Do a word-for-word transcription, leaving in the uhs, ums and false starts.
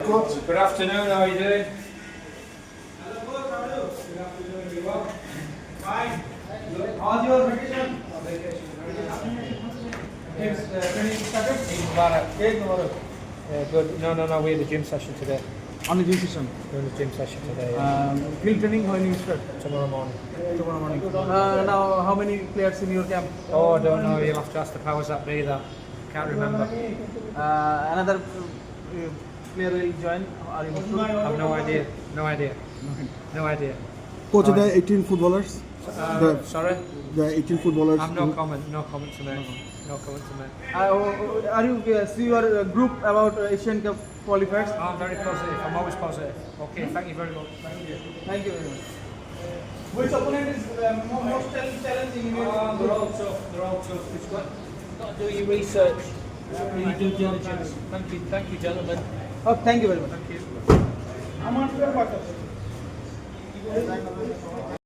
coach. Good afternoon, how are you doing? Hello coach, how are you? Good afternoon, you well? Fine. How's your vacation? Vacation. Games uh, training started? Eid Mubarak. Yes, tomorrow. Yeah, good. No, no, no, we had a gym session today. On the gym session. We're in the gym session today, yeah. Um, field training when you start? Tomorrow morning. Tomorrow morning. Uh, now, how many players in your camp? Oh, I don't know, you'll have to ask the powers that be that. Can't remember. Uh, another uh, player will join? Are you hopeful? I've no idea. No idea. No idea. Coach, there are eighteen footballers. Uh, The- sorry? There are eighteen footballers. I've no comment, no comment to make. No comment to make. Uh, are you uh, see your uh, group about uh, Asian Cup qualifiers? I'm very positive, I'm always positive. Okay, thank you very much. Thank you very much. Which opponent is uh, mo- most chal- challenging in your Oh, they're group? all tough, they're all tough. It's got, got to do your research, do your due diligence. Thank you, thank you, gentlemen. Oh, thank you very much. Thank you. I'm on your part.